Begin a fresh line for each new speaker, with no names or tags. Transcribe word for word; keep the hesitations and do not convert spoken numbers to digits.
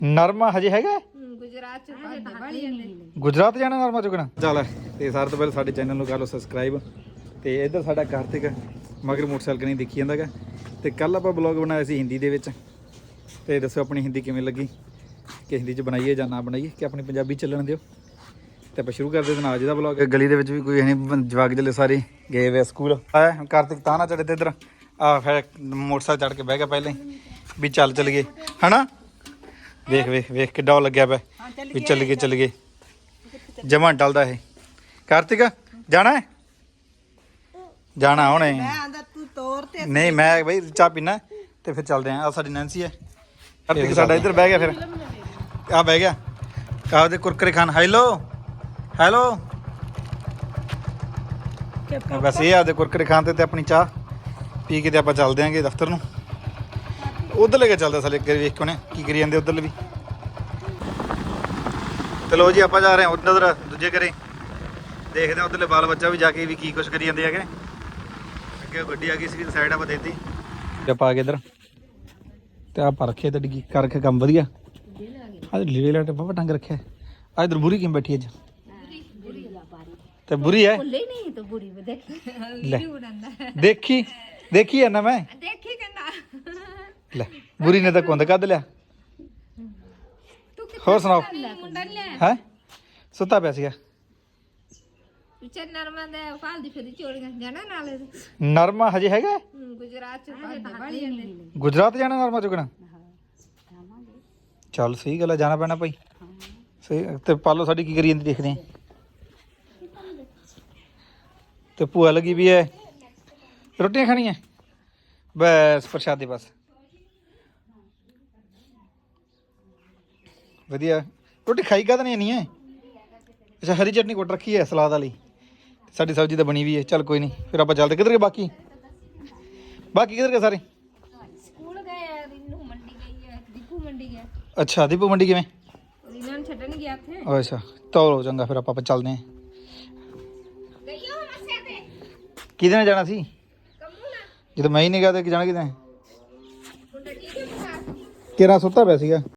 ਨਰਮਾ ਹਜੇ ਹੈਗਾ
ਗੁਜਰਾਤ ਚ ਬੜੀ ਜਾਂਦੇ
ਗੁਜਰਾਤ ਜਾਣਾ ਨਰਮਾ ਚੁਗਣਾ ਚੱਲ। ਤੇ ਸਾਰੇ ਤੋਂ ਪਹਿਲਾਂ ਸਾਡੇ ਚੈਨਲ ਨੂੰ ਕਰ ਲਓ ਸਬਸਕ੍ਰਾਈਬ। ਤੇ ਇੱਧਰ ਸਾਡਾ ਕਾਰਤਿਕ ਮਗਰ ਮੋਟਰਸਾਈਕਲ ਨਹੀਂ ਦੇਖੀ ਜਾਂਦਾ ਗਾ। ਤੇ ਕੱਲ ਆਪਾਂ ਬਲੌਗ ਬਣਾਇਆ ਸੀ ਹਿੰਦੀ ਦੇ ਵਿੱਚ। ਤੇ ਦੱਸੋ ਆਪਣੀ ਹਿੰਦੀ ਕਿਵੇਂ ਲੱਗੀ, ਕਿ ਹਿੰਦੀ 'ਚ ਬਣਾਈਏ ਜਾਂ ਨਾ ਬਣਾਈਏ, ਕਿ ਆਪਣੀ ਪੰਜਾਬੀ ਚੱਲਣ ਦਿਓ। ਤੇ ਆਪਾਂ ਸ਼ੁਰੂ ਕਰਦੇ ਹਾਂ ਅੱਜ ਦਾ ਬਲੌਗ। ਗਲੀ ਦੇ ਵਿੱਚ ਵੀ ਕੋਈ ਨਹੀਂ, ਜਵਾਕ ਜਲੇ ਸਾਰੇ ਗਏ ਹੋਏ ਸਕੂਲ। ਆਇਆ ਕਾਰਤਿਕ ਤਾਂ ਨਾ ਚੜੇ ਤੇ ਇੱਧਰ ਆ ਫਿਰ ਮੋਟਰਸਾਈਕਲ ਚੜ੍ਹ ਕੇ ਬਹਿ ਗਿਆ ਪਹਿਲਾਂ ਹੀ ਵੀ ਚੱਲ ਚੱਲ ਗਏ ਹਨਾ। ਵੇਖ ਵੇਖ ਵੇਖ ਕਿੱਡਾ ਉਹ ਲੱਗਿਆ ਪਿਆ ਵੀ ਚੱਲ ਗਏ ਚੱਲ ਗਏ। ਜਮਾਂ ਟਲਦਾ ਇਹ। ਕਾਰਤਿਕ ਜਾਣਾ ਹੈ, ਜਾਣਾ ਹੁਣੇ। ਨਹੀਂ ਮੈਂ ਬਈ ਚਾਹ ਪੀਣਾ ਤੇ ਫਿਰ ਚੱਲਦੇ ਹਾਂ। ਆ ਸਾਡੀ ਨੈਂਸੀ ਹੈ। ਕਾਰਤਿਕ ਸਾਡਾ ਇੱਧਰ ਬਹਿ ਗਿਆ, ਫਿਰ ਆ ਬਹਿ ਗਿਆ ਆਪਦੇ ਕੁਰਕਰੇ ਖਾਨ। ਹੈਲੋ ਹੈਲੋ ਬਸ ਇਹ ਆਪਦੇ ਕੁਰਕਰੇ ਖਾਨ ਤੇ ਤੇ ਆਪਣੀ ਚਾਹ ਪੀ ਕੇ ਤੇ ਆਪਾਂ ਚੱਲਦੇ ਆਂਗੇ ਦਫ਼ਤਰ ਨੂੰ। ਉਧਰ ਲੈ ਕੇ ਚੱਲਦਾ ਸਾਲੇ ਅੱਗੇ ਵੇਖ ਕੇ ਉਹਨੇ ਕੀ ਕਰੀ ਜਾਂਦੇ ਉਧਰ ਵੀ। ਚਲੋ ਜੀ ਆਪਾਂ ਜਾ ਰਹੇ ਹਾਂ ਉਧਰ ਦੂਜੇ ਘਰੇ, ਦੇਖਦੇ ਹਾਂ ਉਧਰਲੇ ਬਾਲ ਬੱਚਾ ਵੀ ਜਾ ਕੇ ਵੀ ਕੀ ਕੁਛ ਕਰੀ ਜਾਂਦੇ ਹੈਗੇ। ਅੱਗੇ ਗੱਡੀ ਆ ਗਈ ਸੀ ਸਾਈਡ ਆਪਾਂ ਦੇਤੀ ਆਪਾਂ ਆ ਗਏ ਇੱਧਰ। ਤੇ ਆਹ ਰੱਖਿਆ ਤੇ ਡਿੱਗੀ ਕਰ ਰੱਖਿਆ ਕੰਮ ਵਧੀਆ। ਅੱਜ ਲੀੜੇ ਲਾਟੇ ਬਾਬਾ ਟੰਗ ਰੱਖਿਆ। ਆ ਇਧਰ ਬੁਰੀ ਕਿਵੇਂ ਬੈਠੀ ਅੱਜ ਤੇ ਬੁਰੀ ਹੈ ਲੈ ਦੇਖੀ ਦੇਖੀ ਹੈ ਨਾ ਮੈਂ
ਦੇਖੀ ਕਹਿੰਦਾ
ਲੈ ਬੁਰੀ ਨੇ ਤਾਂ ਕੁੰਦ ਕੱਢ ਲਿਆ। ਹੋਰ ਸੁਣਾਓ ਹੈ ਸੁੱਤਾ ਪਿਆ ਸੀਗਾ
ਵਿਚਾਰ ਨਰਮਾ ਦੇ ਫਾਲ ਦੀ ਫਿਰ ਚੋਲੀਆਂ ਜਾਣਾ ਨਾਲੇ
ਨਰਮਾ ਹਜੇ ਹੈਗਾ
ਗੁਜਰਾਤ ਚ ਬੜੀ ਜਾਂਦੇ
ਗੁਜਰਾਤ ਜਾਣਾ ਨਰਮਾ ਚੁਗਣਾ। ਚੱਲ ਸਹੀ ਗੱਲ ਹੈ, ਜਾਣਾ ਪੈਣਾ ਭਾਈ ਸਹੀ। ਤੇ ਪਾਲੋ ਸਾਡੀ ਕੀ ਕਰੀ ਜਾਂਦੀ ਦੇਖਦੇ ਆ। ਤੇ ਭੂਆ ਲੱਗੀ ਵੀ ਹੈ ਰੋਟੀਆਂ ਖਾਣੀਆਂ ਬਸ ਪ੍ਰਸ਼ਾਦੇ ਬਸ ਵਧੀਆ। ਰੋਟੀ ਖਾਈ ਕਾ ਤਾਂ ਨਹੀਂ ਨਹੀਂ ਹੈ। ਅੱਛਾ ਹਰੀ ਚਟਨੀ ਕੁੱਟ ਰੱਖੀ ਹੈ ਸਲਾਦ ਵਾਲੀ। ਸਾਡੀ ਸਬਜ਼ੀ ਤਾਂ ਬਣੀ ਵੀ ਹੈ। ਚੱਲ ਕੋਈ ਨਹੀਂ ਫਿਰ ਆਪਾਂ ਚੱਲਦੇ। ਕਿੱਧਰ ਗਏ ਬਾਕੀ ਬਾਕੀ ਕਿੱਧਰ ਗਏ ਸਾਰੇ?
ਸਕੂਲ ਗਏ, ਰੀਨੂ ਮੰਡੀ ਗਈ ਹੈ, ਦੀਪੂ ਮੰਡੀ ਗਿਆ।
ਅੱਛਾ ਦੀਪੂ ਮੰਡੀ ਕਿਵੇਂ?
ਰੀਨਾ ਨੂੰ ਛੱਡਣ ਗਿਆ ਉੱਥੇ।
ਅੱਛਾ ਤੋਲੋ ਚੰਗਾ ਫਿਰ ਆਪਾਂ ਚੱਲਦੇ ਹਾਂ।
ਗਈਓ ਮੱਸਿਆ ਤੇ
ਕਿਹਦੇ ਨਾਲ ਜਾਣਾ ਸੀ?
ਕੰਮੂ ਨਾ
ਜਦੋਂ ਮੈਂ ਹੀ ਨਹੀਂ ਗਿਆ ਤੇ ਜਾਣਾ ਕਿਹਦੇ?
ਮੁੰਡਾ ਠੀਕ ਹੈ ਬੁਖਾਰ?
ਕਿਹੜਾ ਸੁੱਤਾ ਪਿਆ ਸੀਗਾ।